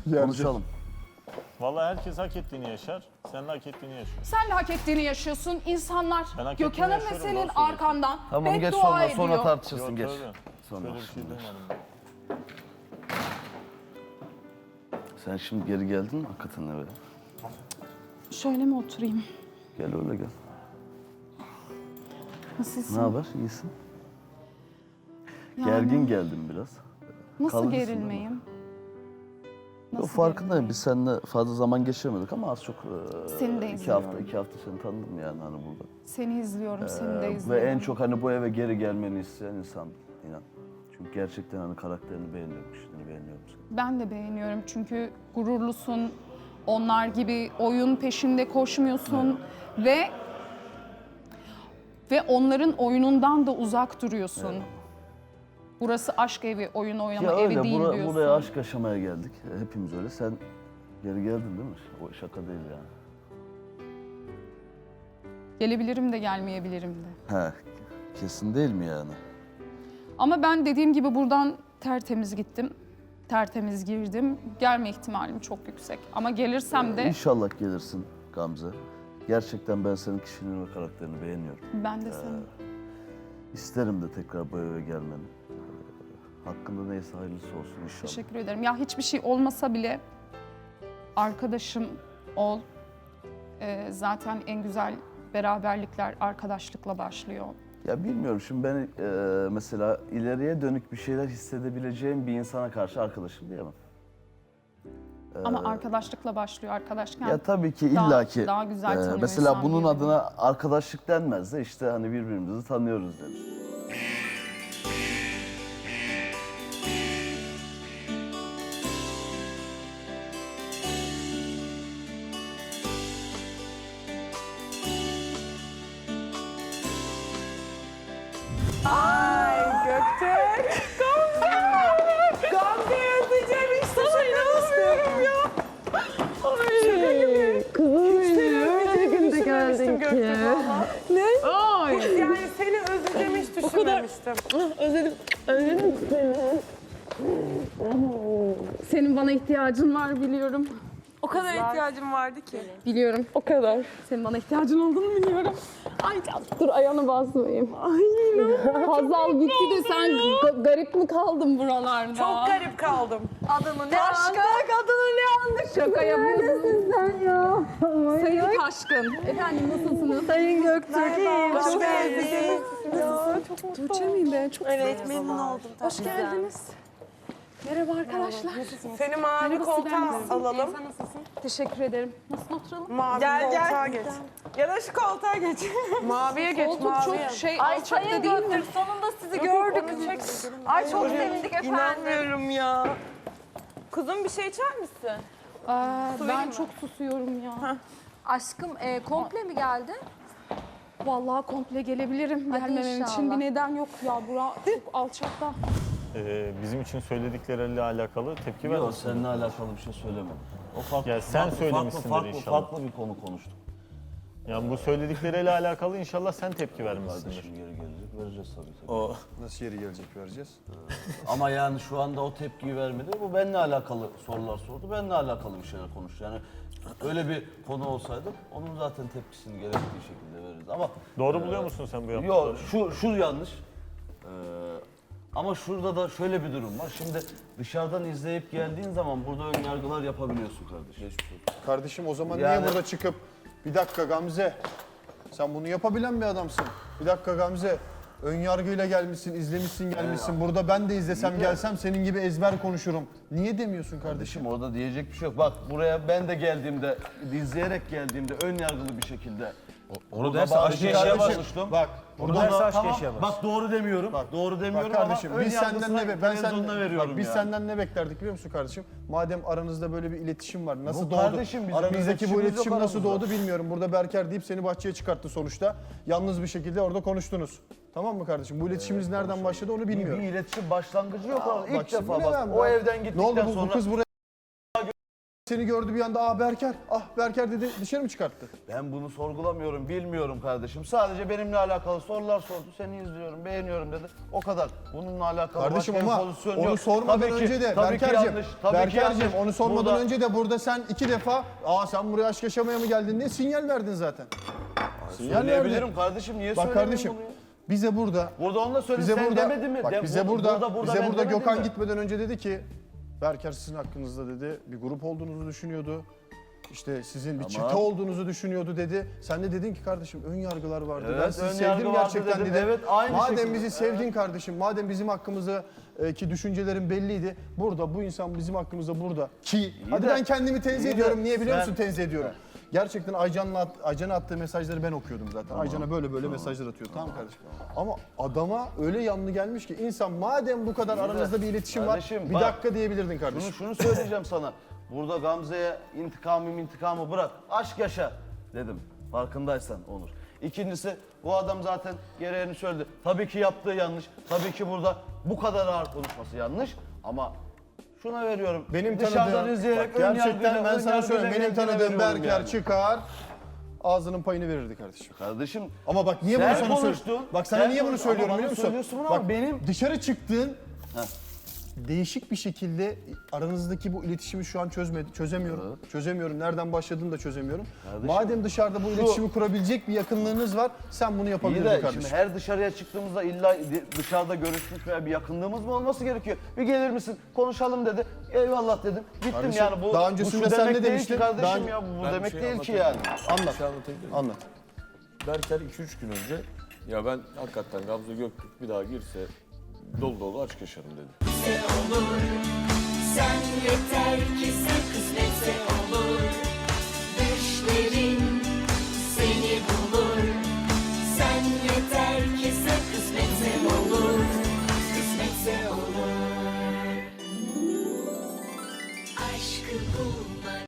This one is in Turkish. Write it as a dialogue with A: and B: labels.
A: Konuşalım.
B: Vallahi herkes hak ettiğini yaşar. Sen de hak ettiğini yaşıyorsun.
C: Sen de hak ettiğini yaşıyorsun. İnsanlar
B: Ben hak ettiğimi
C: Gökhan'ın ve
B: yaşıyorum,
C: senin
B: doğru söylüyorsun.
C: arkandan
A: Tamam geç
C: beddua ediyor.
A: sonra tartışırsın
B: Yok,
A: geç.
B: tabii.
A: Sonra.
B: Böyle bir şey duymadım ben.
A: Sen şimdi geri geldin mi hakikaten eve?
C: Şöyle mi oturayım?
A: Gel öyle gel.
C: Nasılsın?
A: Ne haber? İyisin?
C: Yani
A: Gergin geldim biraz.
C: Nasıl
A: kalıcısın
C: gerilmeyim?
A: O farkındayım. Biz seninle fazla zaman geçiremedik ama az çok
C: Seni de
A: iki hafta
C: izliyorum.
A: seni tanıdım yani hani burada.
C: Seni izliyorum, seni de
A: Ve
C: izliyorum.
A: en çok hani bu eve geri gelmeni isteyen insan inan. Çünkü gerçekten hani karakterini beğeniyorum, kişiliğini beğeniyorum seni.
C: Ben de beğeniyorum çünkü gururlusun. Onlar gibi oyun peşinde koşmuyorsun ve onların oyunundan da uzak duruyorsun. Burası aşk evi, oyun oynama
A: Ya
C: evi
A: öyle,
C: değil diyorsun.
A: buraya aşk yaşamaya geldik. Hepimiz öyle. Sen geri geldin değil mi? O şaka değil yani.
C: Gelebilirim de gelmeyebilirim de.
A: He, kesin değil mi yani?
C: Ama ben dediğim gibi buradan tertemiz gittim. Tertemiz girdim. Gelme ihtimalim çok yüksek. Ama gelirsem de
A: İnşallah gelirsin Gamze. Gerçekten ben senin kişiliğini ve karakterini beğeniyorum.
C: ben de seni.
A: İsterim de tekrar bu eve gelmeni. Hakkında neyse hayırlısı olsun inşallah.
C: Teşekkür ederim. Ya hiçbir şey olmasa bile arkadaşım ol. Zaten en güzel beraberlikler arkadaşlıkla başlıyor.
A: Ya bilmiyorum şimdi ben mesela ileriye dönük bir şeyler hissedebileceğim bir insana karşı arkadaşım diyemem.
C: Ama arkadaşlıkla başlıyor arkadaşken.
A: Ya tabii ki
C: daha-
A: illaki.
C: daha güzel tanıyor
A: mesela
C: insan
A: bunun
C: birbirini.
A: adına arkadaşlık denmez de işte hani birbirimizi tanıyoruz denir.
D: Ay Göktürk. Gamze. Gamze'yi özleyeceğim hiç düşünmemiştim. Ya. Şaka gibi.
E: Kızım
D: Hiç seni
E: benim,
D: özleyeceğimi
E: de geldin
D: düşünmemiştim
E: ki.
D: Göktürk valla.
E: Ne? Ay.
D: Yani seni özleyeceğimi hiç düşünmemiştim.
E: Özledim seni.
C: Senin bana ihtiyacın var biliyorum.
E: O kadar ihtiyacım vardı ki.
C: Biliyorum.
E: O kadar.
C: Senin bana ihtiyacın olduğunu biliyorum.
E: Ay dur ayağını basmayayım. Ay
C: Hazal gitti de sen garip mi kaldın buralarda?
D: Çok garip kaldım.
E: adını ne
C: Taşkın.
E: Adını ne andık?
C: Şaka yapıyorsun.
E: Sen ya.
C: Sayın Taşkın. Efendim nasılsınız?
E: Sayın Göktürk iyiyim.
D: Hoş
E: Çok
D: geldin.
E: sevdim. Ya, çok mutlu
C: Tuğçe miyim ben? Çok
E: Evet memnun oldum.
C: hoş geldiniz. Merhaba arkadaşlar.
D: Seni mavi
C: Merhaba,
D: koltuğa
C: Sibel, nasılsın?
D: alalım.
C: Teşekkür ederim. Nasıl oturalım?
D: Mavi koltuğa geç. Ya da şu koltuğa geç. Maviye geç,
C: Koltuk
D: maviye.
C: çok
E: Ay
C: alçakta
E: Sayın
C: değil mi?
E: Göktürk sonunda sizi gördük. Ay çok sevindik efendim.
D: İnanmıyorum ya.
E: Kuzum bir şey içer misin?
C: Ben çok susuyorum ya.
E: Aşkım komple mi geldi?
C: Vallahi komple gelebilirim.
E: Hadi
C: Gelmemem için
E: inşallah.
C: bir neden yok ya. Bura çok alçakta.
B: Bizim için söyledikleriyle alakalı tepki
A: Yok
B: vermesin.
A: seninle alakalı bir şey söylemedim. O farklı,
B: Ya sen söylemişsindir inşallah.
A: Farklı bir konu konuştuk.
B: Yani bu söyledikleriyle alakalı inşallah sen tepki vermişsindir.
A: Kardeşim geri gelecek vereceğiz tabii ki.
B: O
F: Nasıl yeri gelecek vereceğiz?
A: Ama yani şu anda o tepkiyi vermedi. Bu benimle alakalı sorular sordu. Benimle alakalı bir şeyler konuştu. Yani öyle bir konu olsaydı onun zaten tepkisini gerektiği şekilde veririz. Ama
B: doğru buluyor musun sen bu yaptıklarını?
A: yok şu yanlış. Ama şurada da şöyle bir durum var. Şimdi dışarıdan izleyip geldiğin zaman burada ön yargılar yapabiliyorsun kardeşim.
F: Kardeşim o zaman
A: Yani-
F: niye burada çıkıp bir dakika Gamze sen bunu yapabilen bir adamsın. Bir dakika Gamze ön yargıyla gelmişsin, izlemişsin gelmişsin. Burada ben de izlesem gelsem senin gibi ezber konuşurum. Niye demiyorsun kardeşim?
A: Kardeşim orada diyecek bir şey yok. Bak buraya ben de geldiğimde, izleyerek geldiğimde ön yargılı bir şekilde
G: Onu
A: burada
G: derse
A: bazı
G: aşk
A: şeyler
G: yaşayamaz.
A: konuştum.
F: Bak
G: Bunu
F: burada
G: derse aşk
A: Tamam,
G: yaşayamaz.
A: bak doğru demiyorum. Doğru demiyorum
F: bak kardeşim
A: ama ön
F: biz senden
A: yargısına
F: ne
A: televizyonda veriyorum
F: biz
A: yani.
F: senden ne beklerdik biliyor musun kardeşim? Madem aranızda böyle bir iletişim var. Nasıl
A: Bu
F: doğdu?
A: kardeşim bizim bir
F: Aranızdaki bu
A: iletişimimiz
F: iletişim
A: yok
F: nasıl
A: aramızda.
F: doğdu bilmiyorum. Burada Berker deyip seni bahçeye çıkarttı sonuçta. Yalnız bir şekilde orada konuştunuz. Tamam mı kardeşim? Bu iletişiminiz nereden başladı onu
A: Bir
F: bilmiyorum.
A: iletişim başlangıcı yok.
F: Bak
A: İlk
F: şimdi
A: defa
F: ne
A: bak
F: ben-
A: o evden gittikten
F: Ne oldu bu
A: sonra
F: kız buraya seni gördü bir anda, ah Berker, ah Berker dedi, dışarı mı çıkarttı?
A: Ben bunu sorgulamıyorum, bilmiyorum kardeşim. Sadece benimle alakalı sorular sordu. Seni izliyorum, beğeniyorum dedi. O kadar. Bununla alakalı
F: Kardeşim
A: başka bir
F: ama
A: pozisyon
F: onu
A: yok.
F: sormadan
A: Tabii ki-
F: önce de
A: tabii ki
F: Berker'cim,
A: yanlış, tabii ki yanlış.
F: onu sormadan
A: Burada-
F: önce de burada sen 2 defa sen buraya aşk yaşamaya mı geldin diye sinyal verdin zaten. Sinyal verdin.
A: Söyleyebilirim kardeşim, niye
F: Bak
A: söylemeyeyim
F: kardeşim,
A: bunu ya?
F: bize burada
A: Burada onu da söyle,
F: bize
A: sen
F: burada
A: demedin mi?
F: bak
A: De-
F: bize
A: bu-
F: burada
A: ben
F: bize burada
A: demedim
F: Gökhan
A: mi?
F: gitmeden önce dedi ki Berker sizin hakkınızda dedi bir grup olduğunuzu düşünüyordu. İşte sizin bir
A: Tamam.
F: çete olduğunuzu düşünüyordu dedi. Sen de dedin ki kardeşim ön yargılar vardı.
A: Evet,
F: Ben sizi
A: ön yargı
F: sevdim
A: vardı
F: gerçekten
A: dedim.
F: dedim.
A: Evet, aynı
F: Madem
A: şekilde.
F: bizi sevdin kardeşim, madem bizim hakkımızda ki düşüncelerin belliydi. Burada bu insan bizim hakkımızda burada ki hadi
A: de-
F: ben kendimi tenzih
A: iyi de
F: ediyorum. Niye biliyor
A: sen-
F: musun tenzih ediyorum? Gerçekten Aycan'a attığı mesajları ben okuyordum zaten. Aycan'a böyle mesajlar atıyor. Tamam kardeşim. Ama adama öyle yanlı gelmiş ki insan madem bu kadar
A: de
F: aranızda bir iletişim
A: kardeşim
F: var. Bir
A: bak,
F: dakika diyebilirdin kardeşim.
A: Şunu söyleyeceğim sana. Burada Gamze'ye intikamı bırak. Aşk yaşa dedim. Farkındaysan Onur. İkincisi bu adam zaten gereğini söyledi. Tabii ki yaptığı yanlış. Tabii ki burada bu kadar ağır konuşması yanlış. Ama şuna veriyorum.
F: Benim
A: Dışarıdan
F: tanıdığım,
A: izleyerek
F: bak gerçekten ben sana söyleyeyim. Benim tanıdığım
A: veriyorum
F: Berker
A: yani.
F: çıkar, ağzının payını verirdi kardeşim.
A: Kardeşim
F: Ama bak niye bunu
A: sen
F: sana
A: konuştun.
F: söylüyorum? Bak sana
A: Sen
F: niye bunu
A: konuş-
F: söylüyorum
A: ama
F: biliyor
A: bana
F: musun?
A: söylüyorsun ama
F: Bak
A: benim-
F: dışarı çıktığın
A: Heh.
F: değişik bir şekilde aranızdaki bu iletişimi şu an çözemiyorum. Çözemiyorum. Nereden başladığını da çözemiyorum.
A: Kardeşim,
F: Madem dışarıda bu iletişimi kurabilecek bir yakınlığınız var, sen bunu
A: İyi
F: yapabilirdin
A: de
F: kardeşim.
A: şimdi her dışarıya çıktığımızda illa dışarıda görüşmüş veya bir yakınlığımız mı olması gerekiyor? Bir gelir misin? Konuşalım dedi. Eyvallah dedim. Gittim
F: Kardeşim,
A: yani bu
F: daha
A: bu
F: öncesinde
A: şu
F: sen
A: demek
F: ne
A: değil
F: demiştin?
A: ki kardeşim
F: Daha-
A: ya bu
G: Ben bir
A: demek
G: şey
A: değil ki yani.
F: Anlat.
G: Bir şey anlatabilir miyim?
F: Anlat.
G: Berker 2-3 gün önce ya ben hakikaten Gamze Göktürk bir daha girse dolu dolu aşk yaşarım dedi.
H: olur. Sen yeter ki sen kısmetse olur. Düşlerin seni bulur. Sen yeter ki sen kısmetse olur. Kısmetse olur. Aşkı bulmak